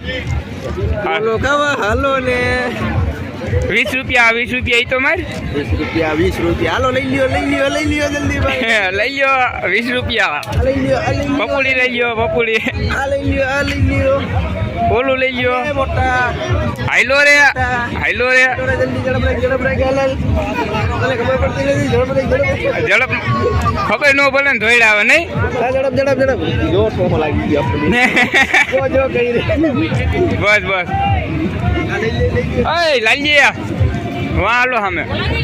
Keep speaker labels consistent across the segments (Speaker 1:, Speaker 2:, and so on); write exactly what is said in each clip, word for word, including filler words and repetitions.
Speaker 1: હાલો ખાવા હાલો ને
Speaker 2: વીસ રૂપિયા વીસ રૂપિયા એ તો માર
Speaker 1: વીસ રૂપિયા વીસ રૂપિયા હાલો લઈ લ્યો લઈ લ્યો લઈ લ્યો જલ્દી ભાઈ
Speaker 2: લઈ લ્યો વીસ રૂપિયા
Speaker 1: લઈ લ્યો આ લઈ લ્યો
Speaker 2: પપુડી લઈ લ્યો પપુડી
Speaker 1: આ લઈ લ્યો આ લઈ લ્યો
Speaker 2: ઓલું લઈ લ્યો
Speaker 1: એ મોટા
Speaker 2: હાઈલો રે હાઈલો રે
Speaker 1: જલ્દી ઝડપ રાખ ઝડપ રાખ હાલ તને ખબર પડતી નથી ઝડપ રાખ ઝડપ
Speaker 2: ઝડપ ખબર ન પડે ને ધોઈડા આવે નહીં
Speaker 1: હા ઝડપ ઝડપ ઝડપ જો ટોમો લાગી ગયો આપણને જો જો કઈ રે
Speaker 2: બસ બસ
Speaker 1: આ લઈ લે લઈ લે
Speaker 2: ઓય લાલજી વાહ હાલો સામે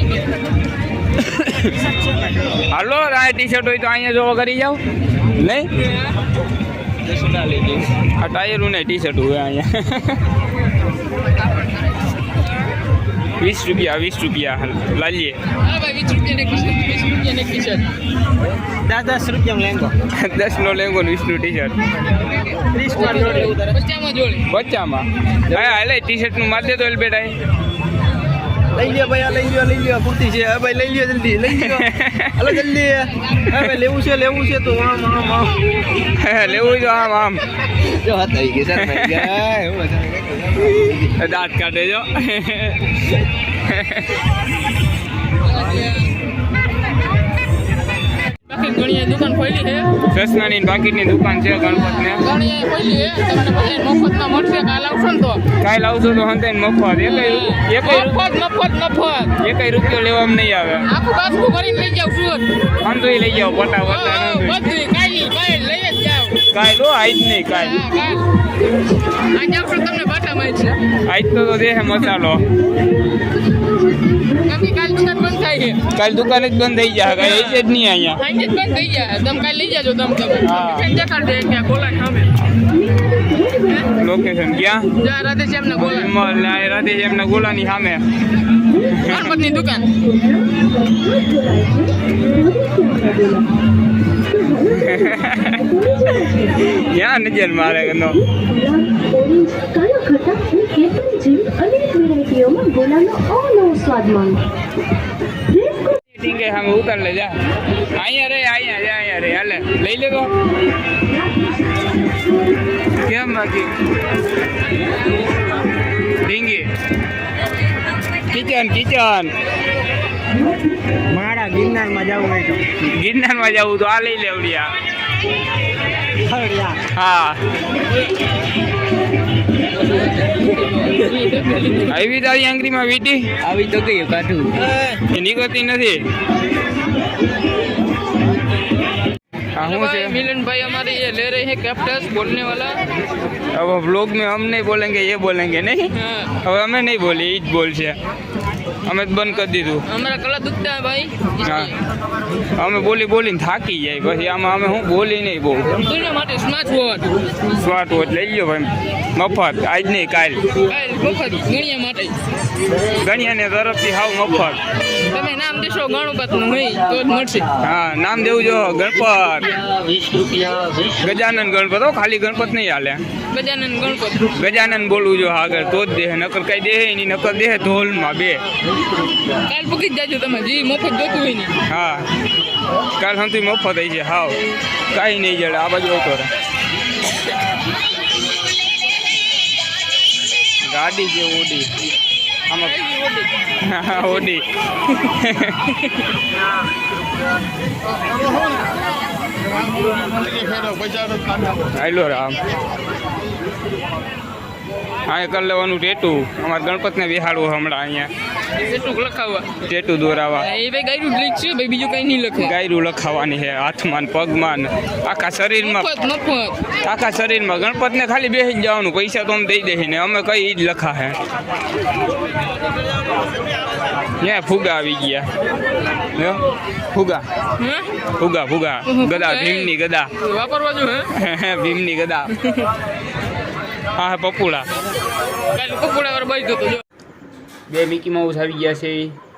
Speaker 2: હાલો આ ટી શર્ટ હોય તો અહીંયા જોવા કરી જાવ નહીં આ ટાયરું ને ટી શર્ટ હોય અહીંયા વીસ રૂપિયા વીસ રૂપિયા લાલીએ
Speaker 1: દસ દસ રૂપિયા લેંગો
Speaker 2: દસ નો લેંગો વીસ નું ટી શર્ટ બચ્ચામાં હા હાલે ટી શર્ટ નું માર દે તો બેટા
Speaker 1: લઈ લ્યો ભાઈ આ લઈ લ્યો લઈ લ્યો પૂરતી છે હા ભાઈ લઈ લ્યો જલ્દી લઈ લ્યો હાલો જલ્દી હા ભાઈ લેવું છે લેવું છે તો આમ આમ આમ
Speaker 2: લેવું જો આમ આમ
Speaker 1: જો હાથ આવી ગઈ સર ભાઈ ગયા
Speaker 2: દાંત કાઢે જો
Speaker 3: દુકાન ખોલી છે
Speaker 2: કૃષ્ણની બાકીની દુકાન છે ગણપત ને
Speaker 3: ઘણી ખોલી છે તમને પછી મફતમાં મળશે કાલ આવશો ને તો
Speaker 2: કાલ આવશો તો હંતે મફત એકય એકય
Speaker 3: મફત મફત મફત
Speaker 2: એકય રૂપિયો લેવામાં નહીં આવે
Speaker 3: આખું બાસ્કું કરીને લઈ જાવ છું
Speaker 2: આમ તો લઈ જાઓ પટા
Speaker 3: હા,
Speaker 2: પટા
Speaker 3: બધું કાઈ કાઈ લઈ જ જાવ
Speaker 2: કાલ લો આજ નહીં કાલ
Speaker 3: હા, કાલ આજે આવશો તમને બાટા મળશે
Speaker 2: આજ તો તો દેહે મસાલો
Speaker 3: તમે કાલ દુકાન બંધ થાય છે
Speaker 2: કાલ દુકાન જ બંધ થઈ જાય કાંઈ એ જ નહીં અહીંયા
Speaker 3: આજે જ બંધ થઈ જાય તમે કાલ લઈ જાજો તમે તમે
Speaker 2: હા.
Speaker 3: દેખાડ દે કે ગોલા સામે
Speaker 2: લોકેશન ક્યાં
Speaker 3: જા રાધે શ્યામ ના ગોલા
Speaker 2: વિમલ ને આ રાધે એમના ગોલાની સામે
Speaker 3: ગણપતની દુકાન
Speaker 2: ક્યાં નજર મારે ગનો ઠીક હે હમ ઉતાર લે જા અહીંયા રે અહીંયા જા અહીંયા રે હાલે લઈ લે તો કેમ બાકી ઢીંગી કિચન કિચન
Speaker 1: મારા ગિરનારમાં જવું હોય તો
Speaker 2: ગિરનારમાં જવું તો આ લઈ લેવડિયા
Speaker 1: ખરડિયા
Speaker 2: હા આવી તારી આંગળીમાં વીટી
Speaker 1: આવી તો કઈ કાઢું
Speaker 2: એ નીકળતી નથી हाँ हूँ से
Speaker 3: मिलन भाई हमारे ये ले रहे हैं कैप्टस बोलने वाला
Speaker 2: अब व्लॉग में हम नहीं बोलेंगे ये बोलेंगे नहीं
Speaker 3: हाँ।
Speaker 2: अब हमें नहीं बोली ईद बोल से हमें तो बंद कर दी तू
Speaker 3: हमारा गला दुखता है भाई
Speaker 2: हाँ हमें बोली बोली थाकी जाए પછી આમાં અમે હું બોલી નહીં બહુ
Speaker 3: दुनिया માટે સ્માર્ટ વોચ
Speaker 2: સ્માર્ટ વોચ લઈ લ્યો ભાઈ મફત આજ નહીં કાલ
Speaker 3: કાલ મફત ગણિયા માટે
Speaker 2: ગણિયાને તરફથી હાવ મફત
Speaker 3: તમે નામ દેશો ગણપતનું નહીં તો જ મળશે
Speaker 2: હા નામ દેવું જો ગણપત ગજાનન ગણપત હો ખાલી ગણપત નહીં હાલે
Speaker 3: ગજાનન ગણપત
Speaker 2: ગજાનન બોલવું જો આગળ તો જ દેહ નકર કઈ દેહ નહીં નકર દેહ ઢોલમાં બે
Speaker 3: કાલ પૂકી જ જાજો તમે જી મફત જોતું હોય ને
Speaker 2: હા કાલ સમથી મફત થઈ છે હાવ કાંઈ નહીં જડે આ બાજુ આવતો રહે ગાડી છે ઓડી આમાં હા ઓડી હાલો રામ હા કરી લેવાનું ટેટુ અમારે ગણપતને બેહાડવું હમણાં અહીંયા
Speaker 3: એટલું લખાવવા
Speaker 2: ટેટુ દોરાવા
Speaker 3: એ ભાઈ ગાયરું લીક છે ભાઈ બીજું કઈ નહીં લખે
Speaker 2: ગાયરું લખાવાની છે હાથમાં ને પગમાં ને આખા શરીરમાં
Speaker 3: મફત મફત
Speaker 2: આખા શરીરમાં ગણપતને ખાલી બેસી જ જવાનું પૈસા તો અમે દઈ દઈએ ને અમે કઈ ઈ જ લખા હે ત્યાં ફુગા આવી ગયા લ્યો, ફુગા
Speaker 3: હા
Speaker 2: ફુગા ફુગા ગદા ભીમની ગદા
Speaker 3: વાપરવા જો હે
Speaker 2: ભીમની ગદા હા હા પપુડા
Speaker 3: કાલ પકોડા વાર બાઈ તો જો
Speaker 2: બે મિકી માઉસ આવી ગયા છે